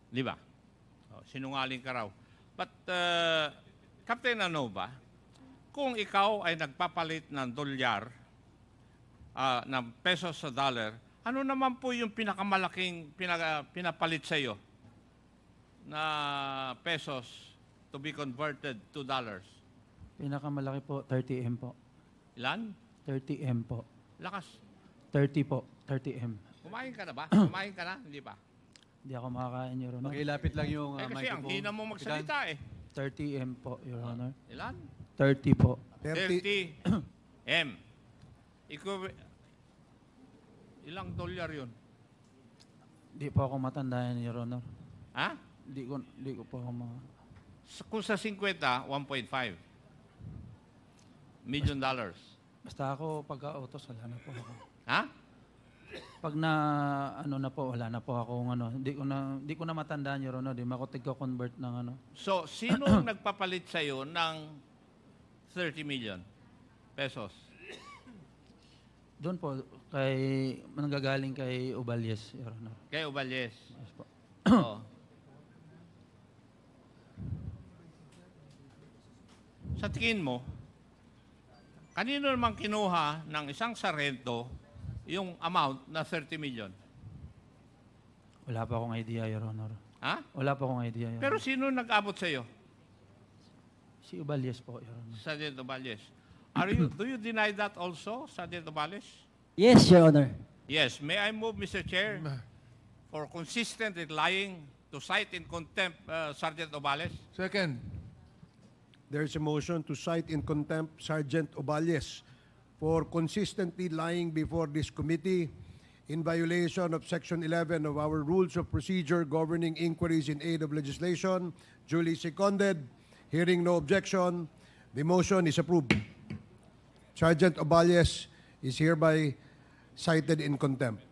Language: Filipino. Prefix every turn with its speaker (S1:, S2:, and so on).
S1: Di ba? Oh, sinungaling ka raw. But, Captain Anova, kung ikaw ay nagpapalit ng dolyar, ng pesos sa dollar, ano naman po yung pinakamalaking pinapalit sa iyo na pesos to be converted to dollars?
S2: Pinakamalaki po, 30M po.
S1: Ilan?
S2: 30M po.
S1: Lakas.
S2: 30 po, 30M.
S1: Kumain ka na ba? Kumain ka na? Hindi pa.
S2: Hindi ako makakain, Your Honor.
S3: Pakilapit lang yung
S1: Kasi ang
S3: microphone.
S1: hina mo magsalita eh.
S2: 30M po, Your Honor.
S1: Ilan?
S2: 30 po.
S1: 30 M. Ilang dolyar yun?
S2: Hindi po ako matandaan, Your Honor.
S1: Ha?
S2: Hindi ko po ako
S1: Kung sa 50, 1.5 million dollars.
S2: Basta ako, pagka-autos, wala na po ako.
S1: Ha?
S2: Pag na, ano na po, wala na po ako, hindi ko na matandaan, Your Honor. Di makutig ko convert ng ano.
S1: So, sino ang nagpapalit sa iyo ng 30 million pesos?
S2: Doon po, nanggagaling kay Uballes, Your Honor.
S1: Kay Uballes.
S2: Yes po.
S1: Oo. Sa tingin mo, kanino naman kinuha ng isang sarento yung amount na 30 million?
S2: Wala pa akong idea, Your Honor.
S1: Ha?
S2: Wala pa akong idea, Your
S1: Pero
S2: Honor.
S1: sino nag-abot sa iyo?
S2: Si Uballes po, Your Honor.
S1: Sergeant Uballes. Do you deny that also, Sergeant Uballes?
S4: Yes, Your Honor.
S1: Yes. May I move, Mr. Chair, for consistent in lying to cite in contempt Sergeant Uballes?
S5: Second.
S6: There is a motion to cite in contempt Sergeant Oballes for consistently lying before this committee in violation of Section 11 of our Rules of Procedure governing inquiries in aid of legislation. Duly seconded. Hearing no objection, the motion is approved. Sergeant Oballes is hereby cited in contempt.